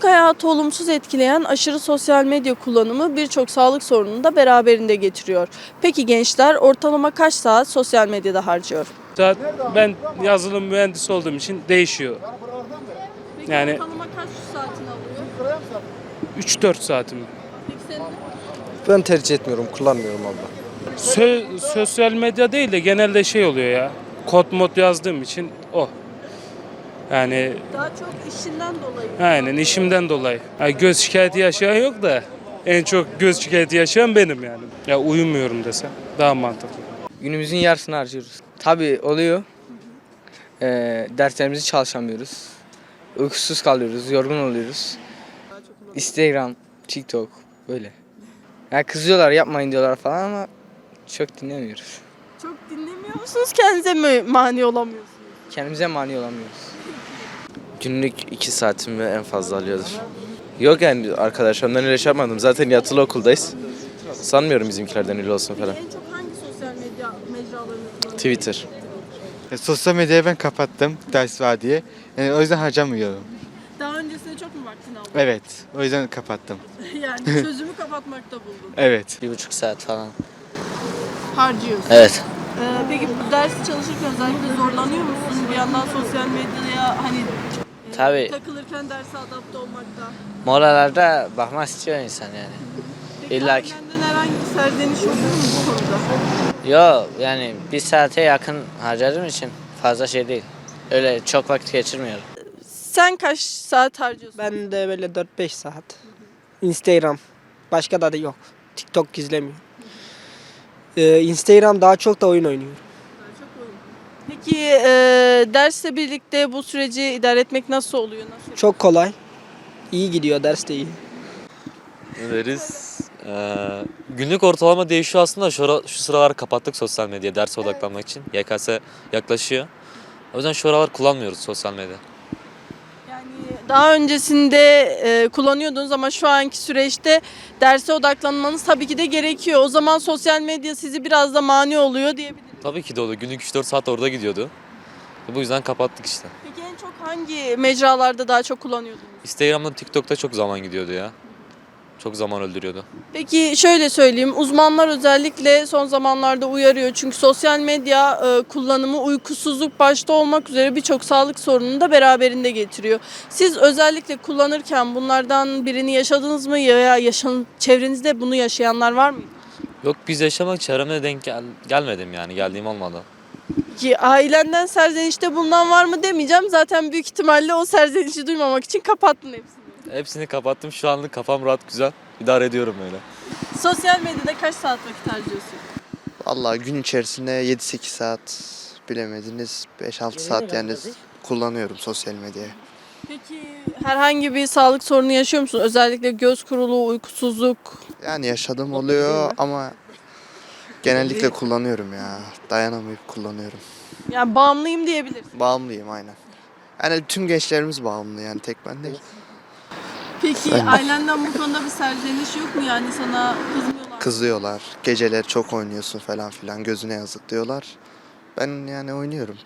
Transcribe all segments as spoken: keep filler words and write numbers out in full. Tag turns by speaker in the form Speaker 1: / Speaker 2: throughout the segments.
Speaker 1: Günlük hayatı olumsuz etkileyen aşırı sosyal medya kullanımı birçok sağlık sorununu da beraberinde getiriyor. Peki gençler ortalama kaç saat sosyal medyada harcıyor?
Speaker 2: Saat ben yazılım mühendisi olduğum için değişiyor.
Speaker 1: Peki
Speaker 2: Yani-
Speaker 1: ortalama kaç saatini alıyor?
Speaker 2: üç dört saatim.
Speaker 1: Peki senin?
Speaker 3: Ben tercih etmiyorum, kullanmıyorum abla.
Speaker 2: Sö- sosyal medya değil de genelde şey oluyor ya. Kod mod yazdığım için o. Yani
Speaker 1: Daha çok işinden dolayı.
Speaker 2: aynen işimden dolayı. Ha, göz şikayeti yaşayan yok da en çok göz şikayeti yaşayan benim yani. Ya uyumuyorum desem daha mantıklı.
Speaker 4: Günümüzün yarısını harcıyoruz. Tabii oluyor. Ee, derslerimizi çalışamıyoruz. Uykusuz kalıyoruz, yorgun oluyoruz. Instagram, TikTok böyle. Yani kızıyorlar yapmayın diyorlar falan ama çok dinlemiyoruz.
Speaker 1: Çok dinlemiyor musunuz? Kendinize mi mani olamıyorsunuz?
Speaker 4: Kendimize mani olamıyoruz.
Speaker 5: Günlük iki saatimi en fazla alıyordur. Yok yani arkadaşlarımdan öyle şey yapmadım. Zaten yatılı okuldayız. Sanmıyorum bizimkilerden öyle olsun falan.
Speaker 1: En çok hangi sosyal medya mecralarını kullanıyorsunuz?
Speaker 5: Twitter.
Speaker 6: E, Sosyal medyayı ben kapattım ders var diye. Yani o yüzden harcamıyorum.
Speaker 1: Daha öncesinde çok mu vaktini aldın?
Speaker 6: Evet, o yüzden kapattım.
Speaker 1: Yani çözümü kapatmakta buldun.
Speaker 6: Evet.
Speaker 5: Bir buçuk saat falan.
Speaker 1: Harcıyorsun.
Speaker 5: Evet.
Speaker 1: Ee, peki bu ders çalışırken özellikle zorlanıyor musun? Bir yandan sosyal medyaya hani e,
Speaker 5: Tabii.
Speaker 1: takılırken derse adapte olmakta.
Speaker 5: Molalarda bakmak istiyor insan yani.
Speaker 1: Peki
Speaker 5: İlla ki.
Speaker 1: ailenden herhangi bir serzeniş oluyor mu bu konuda?
Speaker 5: Yo yani bir saate yakın harcadığım için fazla şey değil. Öyle çok vakit geçirmiyorum.
Speaker 1: Sen kaç saat harcıyorsun?
Speaker 7: Ben de böyle dört beş saat. Instagram. Başka da, da yok. TikTok izlemiyorum. Ee, Instagram daha çok da oyun oynuyorum.
Speaker 1: Peki e, dersle birlikte bu süreci idare etmek nasıl oluyor? Nasıl?
Speaker 7: Çok kolay. İyi gidiyor, ders de iyi.
Speaker 8: Ne deriz? Ee, günlük ortalama değişiyor aslında. Şu, ara, şu sıralar kapattık sosyal medya derse odaklanmak için. Y K S yaklaşıyor. O yüzden şu aralar kullanmıyoruz sosyal medya.
Speaker 1: Yani daha öncesinde e, kullanıyordunuz ama şu anki süreçte derse odaklanmanız tabii ki de gerekiyor. O zaman sosyal medya sizi biraz da mani oluyor diyebiliriz.
Speaker 8: Tabii ki de oluyor. Günlük üç dört saat orada gidiyordu. Bu yüzden kapattık işte.
Speaker 1: Peki en çok hangi mecralarda daha çok kullanıyordunuz?
Speaker 8: Instagram'da, TikTok'ta çok zaman gidiyordu ya. Çok zaman öldürüyordu.
Speaker 1: Peki şöyle söyleyeyim, uzmanlar özellikle son zamanlarda uyarıyor. Çünkü sosyal medya e, kullanımı uykusuzluk başta olmak üzere birçok sağlık sorununu da beraberinde getiriyor. Siz özellikle kullanırken bunlardan birini yaşadınız mı ya yaşan, çevrenizde bunu yaşayanlar var mı?
Speaker 8: Yok biz yaşamak çevremde denk gel gelmedim yani. Geldiğim olmadı.
Speaker 1: Ki ailenden serzenişte bulunan var mı demeyeceğim. Zaten büyük ihtimalle o serzenişi duymamak için kapattın hepsini.
Speaker 8: Hepsini kapattım. Şu anlık kafam rahat, güzel. İdare ediyorum öyle.
Speaker 1: Sosyal medyada kaç saat vakit harcıyorsun?
Speaker 9: Vallahi gün içerisinde yedi sekiz saat, bilemediniz beş altı saat yani kullanıyorum sosyal medyayı.
Speaker 1: Peki herhangi bir sağlık sorunu yaşıyor musun? Özellikle göz kuruluğu, uykusuzluk.
Speaker 9: Yani yaşadığım oluyor ama genellikle kullanıyorum ya. Dayanamayıp kullanıyorum.
Speaker 1: Yani bağımlıyım diyebiliriz.
Speaker 9: Bağımlıyım aynen. Yani tüm gençlerimiz bağımlı yani tek ben değil.
Speaker 1: Peki ailenden bu konuda bir serzeniş yok mu? Yani sana kızmıyorlar mı?
Speaker 9: Kızıyorlar. Geceler çok oynuyorsun falan filan gözüne yazık diyorlar. Ben yani oynuyorum.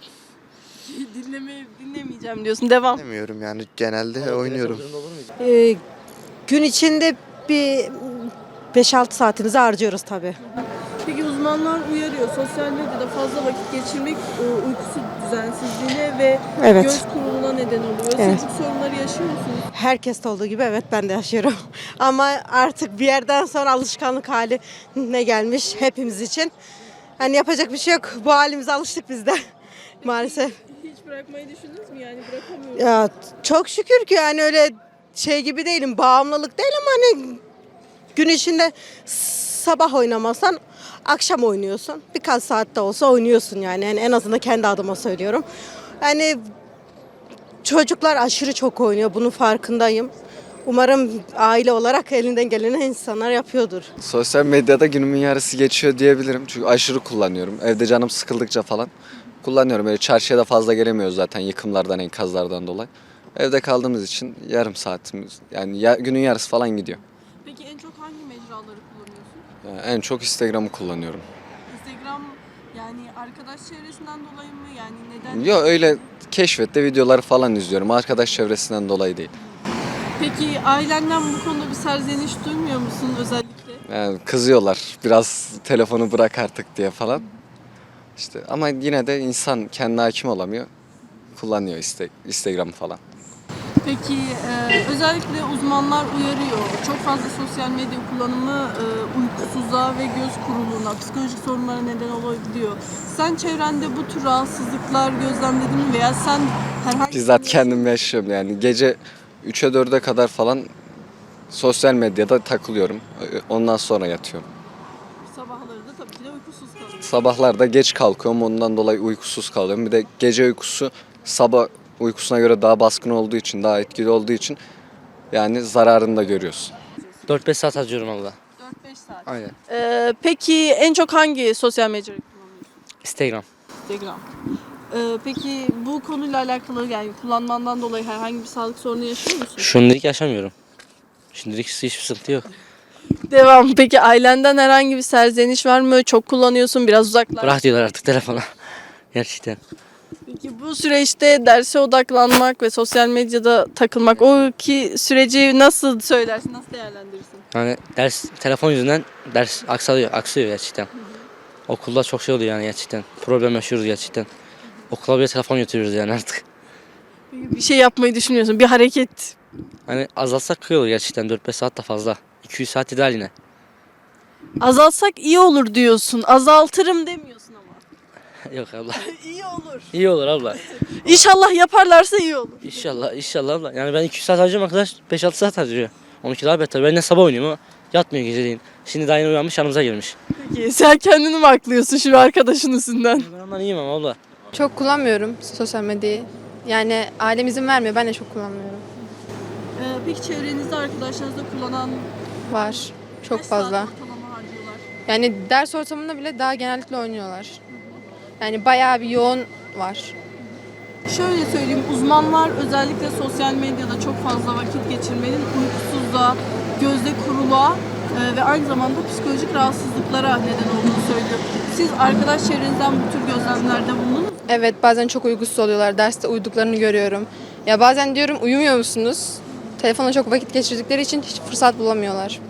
Speaker 1: Dinleme, dinlemeyeceğim diyorsun. Devam.
Speaker 9: Demiyorum yani genelde oynuyorum.
Speaker 10: Ee, gün içinde bir beş altı saatimizi harcıyoruz tabii.
Speaker 1: Peki uzmanlar uyarıyor. Sosyal medyada fazla vakit geçirmek e, uykusu düzensizliğine ve
Speaker 10: Evet.
Speaker 1: göz kuruluğuna neden oluyor.
Speaker 10: Evet.
Speaker 1: Siz bu sorunları yaşıyor musunuz?
Speaker 10: Herkeste olduğu gibi evet ben de yaşıyorum. Ama artık bir yerden sonra alışkanlık haline gelmiş hepimiz için. Hani yapacak bir şey yok. Bu halimize alıştık biz de maalesef.
Speaker 1: Hiç bırakmayı düşündünüz mü? Yani bırakamıyorum.
Speaker 10: Ya çok şükür ki yani öyle şey gibi değilim. Bağımlılık değil ama hani gün içinde sabah oynamasan akşam oynuyorsun. Birkaç saat de olsa oynuyorsun yani. Yani en azından kendi adıma söylüyorum. Yani çocuklar aşırı çok oynuyor. Bunun farkındayım. Umarım aile olarak elinden geleni insanlar yapıyordur.
Speaker 3: Sosyal medyada günümün yarısı geçiyor diyebilirim. Çünkü aşırı kullanıyorum. Evde canım sıkıldıkça falan kullanıyorum. Böyle çarşıya da fazla gelemiyoruz zaten yıkımlardan, enkazlardan dolayı. Evde kaldığımız için yarım saatimiz yani ya, günün yarısı falan gidiyor.
Speaker 1: Peki en çok hangi mecraları kullanıyorsun?
Speaker 3: Yani en çok Instagram'ı kullanıyorum.
Speaker 1: Instagram yani arkadaş çevresinden dolayı mı? Yani neden?
Speaker 3: Yok öyle keşfette videoları falan izliyorum. Arkadaş çevresinden dolayı değil.
Speaker 1: Peki ailenden bu konuda bir serzeniş duymuyor musun özellikle?
Speaker 3: Yani kızıyorlar biraz telefonu bırak artık diye falan. İşte ama yine de insan kendine hakim olamıyor. Kullanıyor işte Instagram falan.
Speaker 1: Peki e, özellikle uzmanlar uyarıyor. Çok fazla sosyal medya kullanımı e, uykusuzluğa ve göz kuruluğuna, psikolojik sorunlara neden olabiliyor. Sen çevrende bu tür rahatsızlıklar gözlemledin mi veya sen herhangi
Speaker 3: Bizzat kendim yaşıyorum yani. Gece üçe dörde kadar falan sosyal medyada takılıyorum. Ondan sonra yatıyorum.
Speaker 1: sabahları da tabii ki de uykusuz kalıyorsun?
Speaker 3: Sabahlarda geç kalkıyorum. Ondan dolayı uykusuz kalıyorum. Bir de gece uykusu sabah uykusuna göre daha baskın olduğu için, daha etkili olduğu için yani zararını da görüyorsun.
Speaker 11: dört beş saat harcıyorum abla.
Speaker 1: dört beş saat.
Speaker 11: Aynen.
Speaker 1: E, peki en çok hangi sosyal medya kullanıyorsun?
Speaker 11: Instagram.
Speaker 1: Instagram. E, peki bu konuyla alakalı yani kullanmandan dolayı herhangi bir sağlık sorunu yaşıyor musun?
Speaker 11: Şimdilik yaşamıyorum. Şimdilik hiçbir sıkıntı yok.
Speaker 1: Devam. Peki ailenden herhangi bir serzeniş var mı? Çok kullanıyorsun, biraz uzaklar.
Speaker 11: Bırak diyorlar artık telefona. Gerçekten.
Speaker 1: Peki bu süreçte derse odaklanmak ve sosyal medyada takılmak, o ki süreci nasıl söylersin, nasıl değerlendirirsin?
Speaker 11: Yani ders telefon yüzünden ders aksıyor, aksıyor gerçekten. Okulda çok şey oluyor yani gerçekten. Problem yaşıyoruz gerçekten. Okula bile telefon götürüyoruz yani artık.
Speaker 1: Peki bir şey yapmayı düşünüyorsun, bir hareket.
Speaker 11: Hani azaltsak iyi olur gerçekten. dört beş saat de fazla. iki yüz saat ideal yine.
Speaker 1: Azaltsak iyi olur diyorsun, azaltırım demiyorsun ama.
Speaker 11: Yok abla.
Speaker 1: İyi olur.
Speaker 11: İyi olur abla.
Speaker 1: İnşallah yaparlarsa iyi olur.
Speaker 11: İnşallah, inşallah abla. Yani ben iki yüz saat harcıyorum, arkadaş beş altı saat harcıyor. onunki daha beter. Ben de sabah oynuyorum ama yatmıyor geceleyin. Şimdi daha yeni uyanmış, yanımıza girmiş.
Speaker 1: Peki sen kendini mi aklıyorsun şimdi arkadaşın üstünden?
Speaker 11: Ben ondan iyiyim ama abla.
Speaker 12: Çok kullanmıyorum sosyal medyayı. Yani ailem izin vermiyor. Ben de çok kullanmıyorum.
Speaker 1: Ee, peki çevrenizde arkadaşlarınızda kullanan
Speaker 12: Var. Çok
Speaker 1: kaç
Speaker 12: fazla.
Speaker 1: saat ortalama harcıyorlar?
Speaker 12: Yani ders ortamında bile daha genellikle oynuyorlar. Yani bayağı bir yoğun var.
Speaker 1: Şöyle söyleyeyim, uzmanlar özellikle sosyal medyada çok fazla vakit geçirmenin uykusuzluğa, gözde kuruluğa e, ve aynı zamanda psikolojik rahatsızlıklara neden olduğunu söylüyor. Siz arkadaş çevrenizden bu tür gözlemlerde bulundunuz mu?
Speaker 12: Evet, bazen çok uykusuz oluyorlar. Derste uyuduklarını görüyorum. Ya bazen diyorum, uyumuyor musunuz? Telefonla çok vakit geçirdikleri için hiç fırsat bulamıyorlar.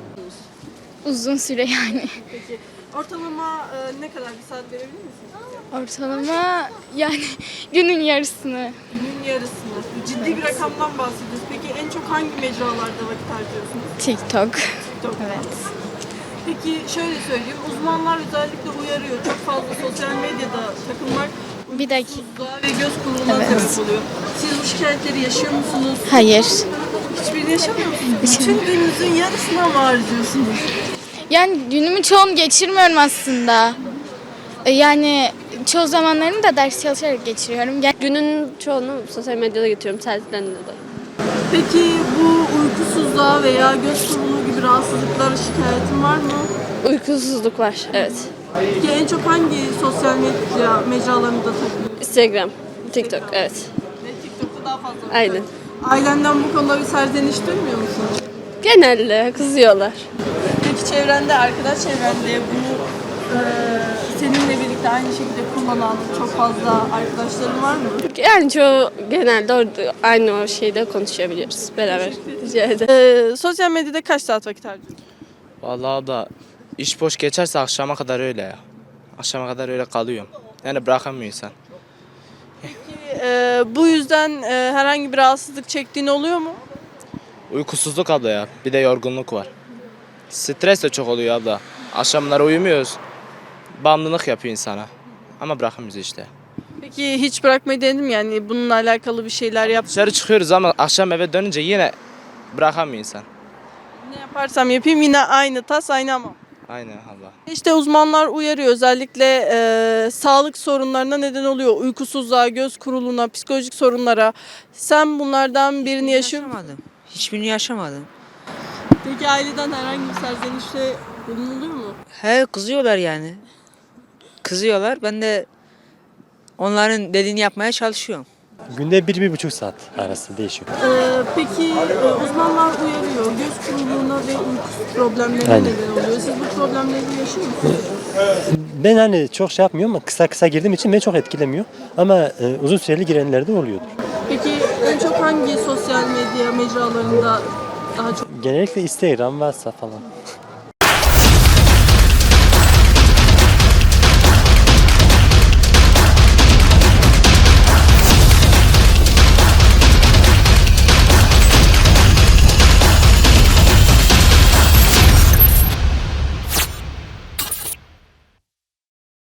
Speaker 13: Uzun süre yani.
Speaker 1: Peki ortalama e, ne kadar bir saat verebilir misiniz?
Speaker 13: Ortalama yani günün yarısını.
Speaker 1: Günün yarısını. Ciddi bir rakamdan bahsediyoruz. Peki en çok hangi mecralarda vakit harcıyorsunuz?
Speaker 13: TikTok.
Speaker 1: TikTok. Evet. Peki şöyle söyleyeyim, uzmanlar özellikle uyarıyor. Çok fazla sosyal medyada takılmak
Speaker 13: Bir dakika.
Speaker 1: uykusuzluğa ve göz kuruluğuna sebep oluyor. Siz bu şikayetleri yaşıyor musunuz?
Speaker 13: Hayır.
Speaker 1: Hiçbirini yaşamıyor musunuz? Bütün gününüzün yarısına mı harcıyorsunuz?
Speaker 13: Yani günümün çoğunu geçirmiyorum aslında. E, Yani çoğu zamanlarını da ders çalışarak geçiriyorum. Gel-
Speaker 14: Günün çoğunu sosyal medyada geçiriyorum tersinden dolayı.
Speaker 1: Peki bu uykusuzluğa veya göz kuruluğu gibi rahatsızlıklara şikayetin var mı?
Speaker 14: Uykusuzluk var, evet.
Speaker 1: Peki en çok hangi sosyal medya mecralarında takılıyorsun?
Speaker 14: Instagram, TikTok, evet.
Speaker 1: Ve TikTok'ta daha fazla. vakit
Speaker 14: Aynen.
Speaker 1: Ailenden bu konuda bir serzeniş duymuyor musun?
Speaker 14: Genelde kızıyorlar.
Speaker 1: Peki çevrende, arkadaş çevrende bu e, seninle birlikte aynı şekilde kullanan çok fazla arkadaşların var mı?
Speaker 14: Yani çoğu genelde orada aynı o şeyde konuşabiliyoruz beraber. Rica ederim.
Speaker 1: E, sosyal medyada kaç saat vakit harcıyorsun?
Speaker 4: Vallahi da iş boş geçerse akşama kadar öyle ya. Akşama kadar öyle kalıyorum. Yani bırakamıyor insan.
Speaker 1: E, bu yüzden e, herhangi bir rahatsızlık çektiğin oluyor mu?
Speaker 4: Uykusuzluk abla ya. Bir de yorgunluk var. Stres de çok oluyor abla. Akşamları uyumuyoruz. Bağımlılık yapıyor insana. Ama bırakamıyoruz işte.
Speaker 1: Peki hiç bırakmayı denedin mi? Yani bununla alakalı bir şeyler yap.
Speaker 4: Dışarı çıkıyoruz ama akşam eve dönünce yine bırakamıyor insan.
Speaker 1: Ne yaparsam yapayım yine aynı tas aynı ama.
Speaker 4: Aynen abla.
Speaker 1: İşte uzmanlar uyarıyor, özellikle e, sağlık sorunlarına neden oluyor. Uykusuzluğa, göz kuruluğuna, psikolojik sorunlara. Sen bunlardan birini yaşıyor musun?
Speaker 7: Yaşamadım. Hiçbirini yaşamadım.
Speaker 1: Peki aileden herhangi bir serzenişte bulunuluyor mu?
Speaker 7: He, kızıyorlar yani. Kızıyorlar. Ben de onların dediğini yapmaya çalışıyorum.
Speaker 11: Günde bir, bir buçuk saat arası değişiyor.
Speaker 1: Ee, peki e, uzmanlar uyarıyor, göz kuruluğuna ve uyku problemlerine
Speaker 11: Aynen.
Speaker 1: neden oluyor. Siz bu problemleri yaşıyor musunuz?
Speaker 11: Ben hani çok şey yapmıyorum ama kısa kısa girdiğim için beni çok etkilemiyor. Ama e, uzun süreli girenlerde oluyordur.
Speaker 1: Peki en çok hangi sosyal medya mecralarında daha çok?
Speaker 15: Genellikle Instagram, WhatsApp falan.